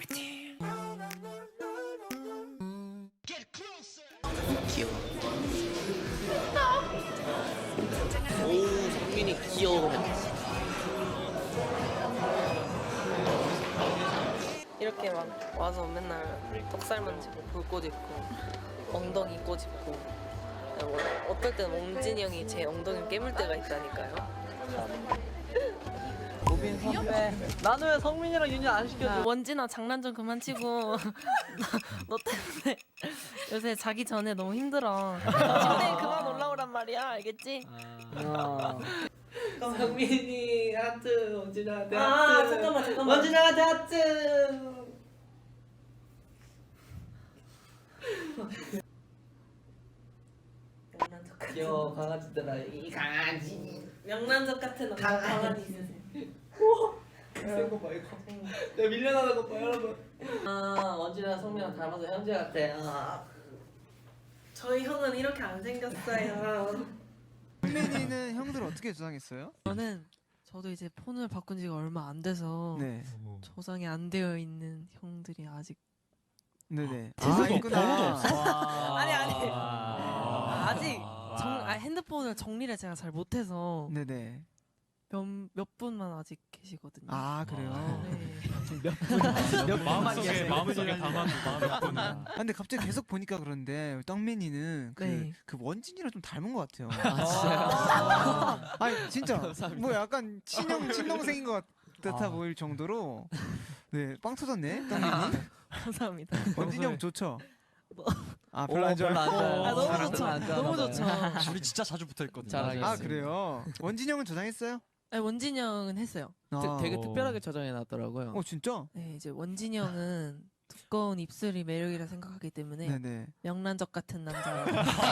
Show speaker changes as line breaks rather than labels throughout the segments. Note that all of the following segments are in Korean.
귀여워. 오, 성민이 귀여워.
이렇게 막 와서 맨날 턱살 만지고 불꽃 입고 엉덩이 꼬집고 어떨 때는 옹진이 형이 제 엉덩이 깨물 때가 있다니까요.
우빈 선배. 나는 왜 성민이랑 윤희 안 시켜줘?
원진아 장난 좀 그만 치고 너 때문에 요새 자기 전에 너무 힘들어. 침대에 그만 올라오란 말이야, 알겠지?
성민이 하트, 원진아한테
아 잠깐만.
원진아한테 하트.
명란젓 같은
귀여워 강아지들아. 이 강아지.
명란젓 같은 강아지 있으세요?
센거 봐 이거. 내가 밀려나는 거 봐 여러분. 아 원진아 성민이랑 닮아서 형제 같아. 아.
저희 형은 이렇게 안 생겼어요.
성민이는 형들 어떻게 저장했어요?
저도 이제 폰을 바꾼 지가 얼마 안 돼서
네.
저장이 안 되어 있는 형들이 아직
네네.
번호도 없어?
아니 아직 핸드폰을 정리를 제가 잘 못해서
네네.
몇 분만 아직 계시거든요.
아 그래요?
네.
마음속에 담아둔 마음이
아, 근데 갑자기 계속 보니까 그런데 떡민이는
네.
그 원진이랑 좀 닮은 것 같아요.
아, 진짜요?
아니 진짜 뭐 약간 친동생인 것 같아 보일 정도로 네빵 터졌네 떡민이.
감사합니다.
원진이 형 좋죠?
뭐.
아 별로 안 좋아요.
너무 좋죠. 너무 좋죠.
우리 진짜 자주 붙어있거든요.
잘하겠어요.
아 그래요? 원진이 형은 저장했어요?
네, 원진이 형은 했어요.
되게 특별하게 저장해 놨더라고요.
진짜?
네, 이제 원진이 형은 두꺼운 입술이 매력이라 생각하기 때문에
네네.
명란젓 같은 남자.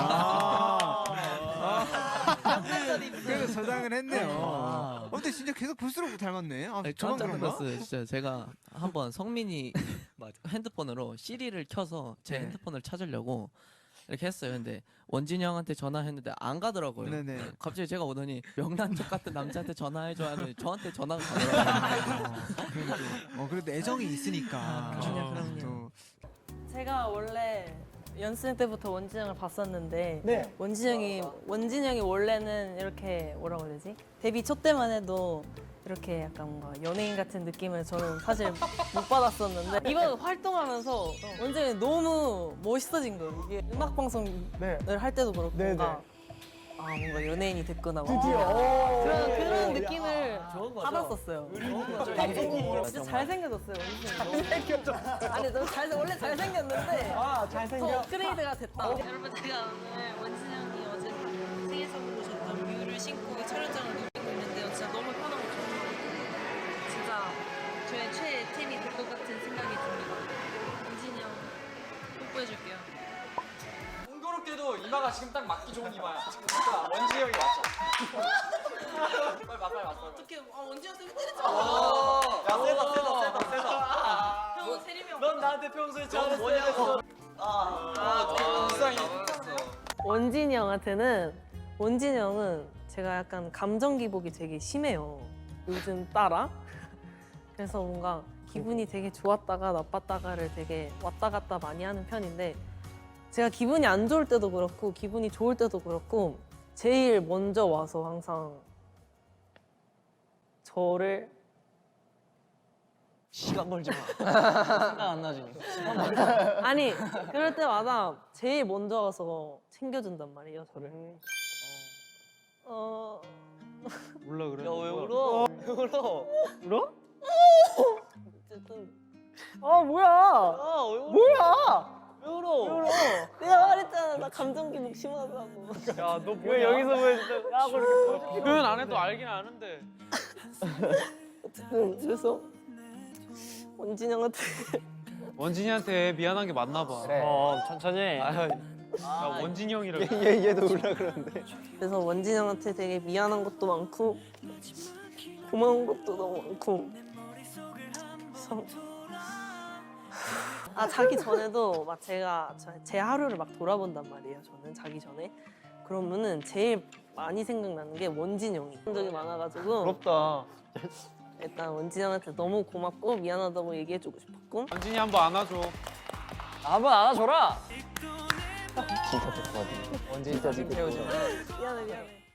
그래서 저장을 했네요.
아.
근데 진짜 계속 볼수록 닮았네. 아,
아니,
저만
깜짝
그런가?
놀랐어요. 진짜 제가 한번 성민이 핸드폰으로 시리를 켜서 제
네.
핸드폰을 찾으려고 이렇게 했어요. 근데 원진이 형한테 전화했는데 안 가더라고요.
네네.
갑자기 제가 오더니 명란젓 같은 남자한테 전화해줘 하더니 저한테 전화가 가더라고요.
그래도 애정이 있으니까.
그럼요.
또
제가 원래 연습생 때부터 원진이 형을 봤었는데
네.
원진이 형이 원래는 이렇게 뭐라고 해야 되지? 데뷔 초 때만 해도 이렇게 약간 뭔가 연예인 같은 느낌을 저는 사실 못 받았었는데 이번 활동하면서 원진이 형이 너무 멋있어진 거예요. 이게 음악 방송을 할 때도 그렇고 뭔가 뭔가 연예인이 됐구나. 그런 느낌을 받았었어요. 진짜 잘생겨졌어요. 잘생겨졌어. 아니 원래 잘생겼는데 더 업그레이드가 됐다. 여러분 제가 오늘 원진 형이 어제 생일 선물로 줬던 뮤를 신고 촬영장을 누리고 있는데요. 진짜 너무 편하고 좋고 진짜 저의 최애템이 될 것 같은 생각이 듭니다. 원진이 형 뽀뽀해줄게요.
공교롭게도 이마가 지금 딱 맞기 좋은 이마야. 진짜 원진이 형이 맞죠? 빨리 맞.
어떻게 원진이 형 때문에 때렸죠?
야 세다.
형은 세림이 형.
넌 나한테 평소에 잘했어. 뭐냐고. 불쌍해.
원진이 형은 제가 약간 감정 기복이 되게 심해요. 요즘 따라. 그래서 뭔가 기분이 되게 좋았다가 나빴다가를 되게 왔다 갔다 많이 하는 편인데 제가 기분이 안 좋을 때도 그렇고 기분이 좋을 때도 그렇고 제일 먼저 와서 항상 저를
시간 걸지 마. 생각 안 나지.
아니 그럴 때마다 제일 먼저 와서 챙겨준단 말이에요 저를.
몰라 그래.
왜 울어?
울어?
어쨌든
뭐야?
왜 울어?
내가 말했잖아 나 감정 기복 심하다고.
야너 왜 여기서 야 그렇게 표현 안 해도 알긴 아는데.
어쨌든 그래서 원진이 형한테
원진이한테 미안한 게 맞나 봐.
그래.
천천히. 야 원진이 형이라.
얘도 울라 그러는데.
그래서 원진이 형한테 되게 미안한 것도 많고 고마운 것도 너무 많고 그래서 자기 전에도 막 제가 제 하루를 막 돌아본단 말이에요. 저는 자기 전에 그러면은 제일 많이 생각나는 게 원진이 형이 적이 많아가지고
부럽다.
일단 원진이 형한테 너무 고맙고 미안하다고 얘기해주고 싶었고
원진이 한번 안아줘.
한번 안아줘라.
진짜 좋거든.
원진이 진짜 태워줘.
미안해.